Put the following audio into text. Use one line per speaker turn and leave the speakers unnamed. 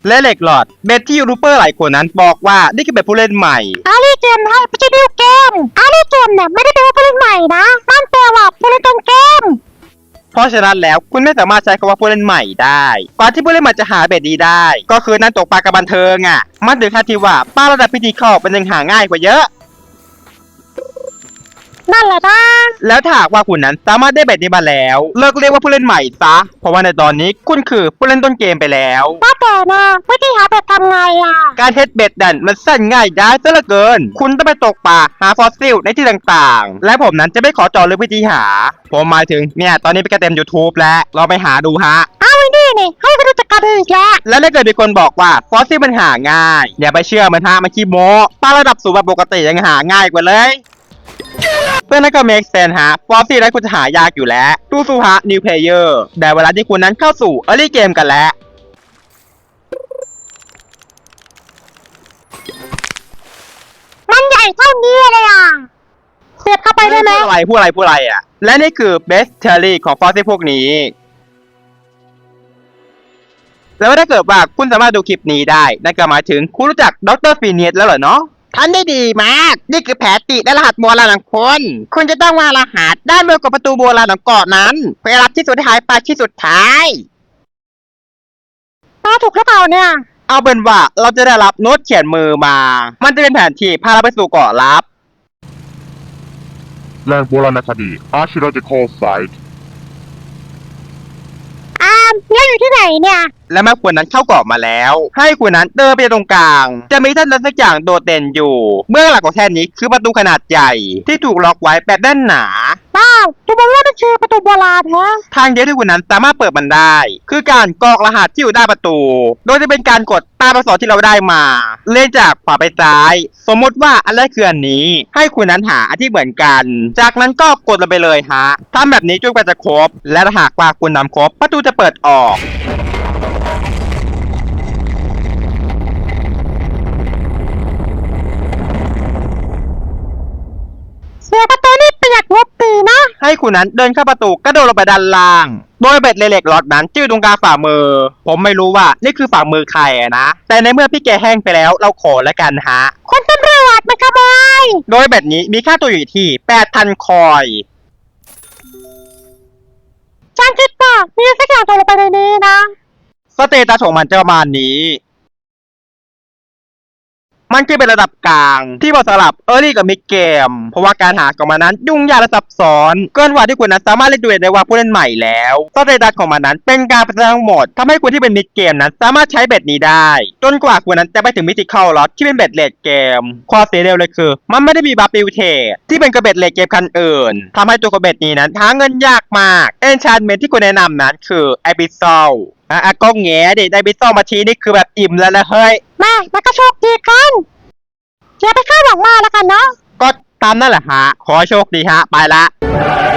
และเหล็กหลอดเบ็ดที่ยูทูบเบอร์หลายคนนั้นบอกว่านี่คือเบ็ดผู้เล่นใหม่
อารีเกมนะไม่ใช่ดิวเกมอารีเกมเนี่ยไม่ได้แปลว่าผู้เล่นใหม่นะนั่นแปลว่าผู้เล่นต้นเกม
เพราะฉะนั้นแล้วคุณไม่สามารถใช้คำว่าผู้เล่นใหม่ได้ก่อนที่ผู้เล่นใหม่จะหาเบ็ดดีได้ก็คือนั่นตกปลากับบันเทิงอ่ะมันถึงขั้นที่ว่าปลาระดับพิธีเข้าเป็นยังหาง่ายกว่าเยอะ
นั่นแหละนะ
แล้วถ้าหากว่าคุณนั้นสามารถได้เบ็ดนี้มาแล้วเลิกเรียกว่าผู้เล่นใหม่ซะเพราะว่าในตอนนี้คุณคือผู้เล่นต้นเกมไปแล้ว
ว่าแต่นะวิธีหาเบ็ดทำไงอ่ะ
การเฮ็ดเบ็ดดันมันสั้นง่ายได้ซะเหลือเกินคุณต้องไปตกปลาหาฟอสซิลในที่ต่างๆและผมนั้นจะไม่ขอเจาะลึกวิธีหาผมหมายถึงเนี่ยตอนนี้ไปกระเต็ม YouTube แล้วเราไปหาดูฮะ
เอาไว้นี่ให้ไปดูจักรอีก
แล้วถ้าเกิดมีคนบอกว่าฟอสซิลมันหาง่ายอย่าไปเชื่อมันฮะมันขี้โม้ปลาระดับสูงแบบปกติยังหาง่ายกว่าเลยเพื่อนนั่นก็ make sense ฮะฟอสซิลนั้นคุณจะหายากอยู่แล้วสู้ๆฮะ new player แต่เวลาที่คุณนั้นเข้าสู่ early game กันแล้ว
มันใหญ่เท่านี้เลยอ่ะเสียบเข้าไปได้ไหม
พูดอะไรอ่ะและนี่คือ best theory ของฟอสซิลพวกนี้แล้วถ้าเกิดว่าคุณสามารถดูคลิปนี้ได้นั่นก็หมายถึงคุณรู้จักดรฟีเนียสแล้วเหรอเนาะทำได้ดีมากนี่คือแผนติและรหัสโบราณของคุณจะต้องวางรหัสด้านบนกับประตูโบราณของเกาะนั้นเพื่อรับที่สุดท้ายไปที่สุดท้าย
ถูกหรือเปล่าเนี่ย
เอาเป็นว่าเราจะได้รับโน้ตเขียนมือมามันจะเป็นแผนที่พาเราไปสู่เกาะลับ
แหล่งโบราณคดี Archaeological Site
แล้วอยู่ที่ไหนเนี่ย
และเมื่อคุณนั้นเข้าเกาะมาแล้วให้คุณนั้นเดินไปตรงกลางจะมีท่านนั้นสักอย่างโดดเด่นอยู่เมื่อหลักของแท่นนี้คือประตูขนาดใหญ่ที่ถูกล็อกไว้แบบแน่นหนา
ดูเหมือนว่ามันคือประตูโบราณฮะ
ทางเดียวที่คุณนั้นสามารถเปิดมันได้คือการกรอกรหัสที่อยู่ด้านประตูโดยจะเป็นการกดตามอักษรที่เราได้มาเลื่อนจากขวาไปซ้ายสมมติว่าอันแรกคืออันนี้ให้คุณนั้นหาอันที่เหมือนกันจากนั้นก็กดลงไปเลยฮะทำแบบนี้จนกว่าจะครบและถ้าหากว่าคุณนำครบประตูจะเปิดออก
เสียประตูนี่เปียกงบปีนะ
ให้คุณนั้นเดินเข้าประตูกระโดดลงไปด้านล่างโดยเบ็ดเหล็กหลอดนั้นจื้อตรงกลางฝ่ามือผมไม่รู้ว่านี่คือฝ่ามือใครนะแต่ในเมื่อพี่แกแห้งไปแล้วเราขอแล้วกันฮะ
คนตำรวจมาขโมย
โดยเบ็ดนี้มีค่าตัวอยู่ที่ 8,000 คอย
ฉันคิดว่ามีสักอย่างตัวลงไปในนี้นะ
สเตตัสของมันจะประมาณนี้มันคือเป็นระดับกลางที่เหมาะสำหรับ Early กับ Mid Game เพราะว่าการหาของมันนั้นยุ่งยากและซับซ้อนเกินกว่าที่คุณนั้นสามารถเล่นดูได้ว่าผู้เล่นใหม่แล้วสเตตัสของมันนั้นเป็นการพัฒนาทั้งหมดทำให้คุณที่เป็น Mid Game นั้นสามารถใช้เบ็ดนี้ได้จนกว่าคุณนั้นจะไปถึง Mythical Lot ที่เป็นเบ็ดเลดเกมข้อเสียเดียวเลยคือมันไม่ได้มีบัฟฟิวเทที่เป็นกระเบ็ดเลดเกมคันอื่นทำให้ตัวกระเบ็ดนี้นั้นหาเงินยากมาก Enchantment ที่คุณแนะนำนั้นคือ Abyssalก็แง่ดิได้ Abyssal มาทีนี่คือแบบอิ่มแล้วนะเฮ้ย
มันก็โชคดีกันอย่าไปคาดหวังมากแล้วกันเนาะ
ก็ตามนั่นแหละฮะขอโชคดีฮะไปละ